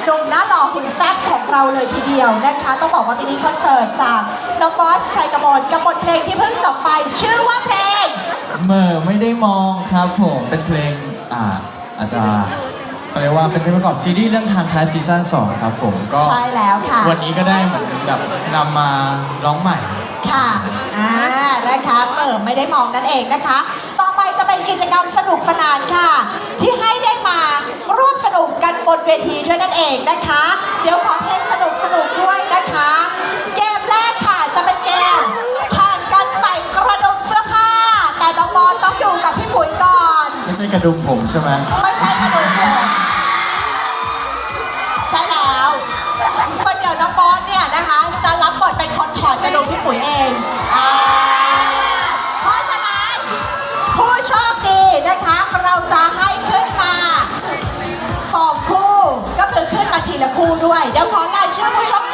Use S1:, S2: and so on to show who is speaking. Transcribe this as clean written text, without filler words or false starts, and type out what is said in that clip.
S1: หนุ่มหน้าหล่อหุ่นแซ่บของเราเลยทีเดียวนะคะต้องบอกว่ามินิคอนเสิร์ตจากน้องบอสชัยกมลกับบทเพลงที่เพิ่งจบไปชื่อว่าเพลง
S2: เมื่อไม่ได้มองครับผมเป็นเพลงอาจจะเรียกว่าเป็นเพลงประกอบซีรีส์เรื่องทางท้ายซีซั่น2ครับผมก็
S1: ใช่แล้วค่ะ
S2: วันนี้ก็ได้เหมือนแบบนำมาร้องใหม่
S1: ค่ะนะคะไม่ได้มองนั่นเองนะคะต่อไปจะเป็นกิจกรรมสนุกสนานค่ะที่ให้ได้มาร่วมสนุกกันบนเวทีด้วยนั่นเองนะคะเดี๋ยวขอเพลงสนุกด้วยนะคะเกมแรกค่ะจะเป็นเกมแข่งกันใส่กระดุมเสื้อผ้าแต่น้องบอลต้องอยู่กับพี่ปุ๋ยก่อน
S2: ไม่ใช่กระดุมผมใช่ไหม
S1: ไม่ใช่กระดุมผมใช่แล้วคนเดียวน้องบอลเนี่ยนะคะจะรับบทเป็นคนถอดกระดุมพี่ปุ๋ยเองเพราะฉะนั้นผู้โชคดีนะคะเราจะให้ขึ้นมา2 คู่ก็คือขึ้นมาทีละคู่ด้วยเดี๋ยวขอรายชื่อผู้โชค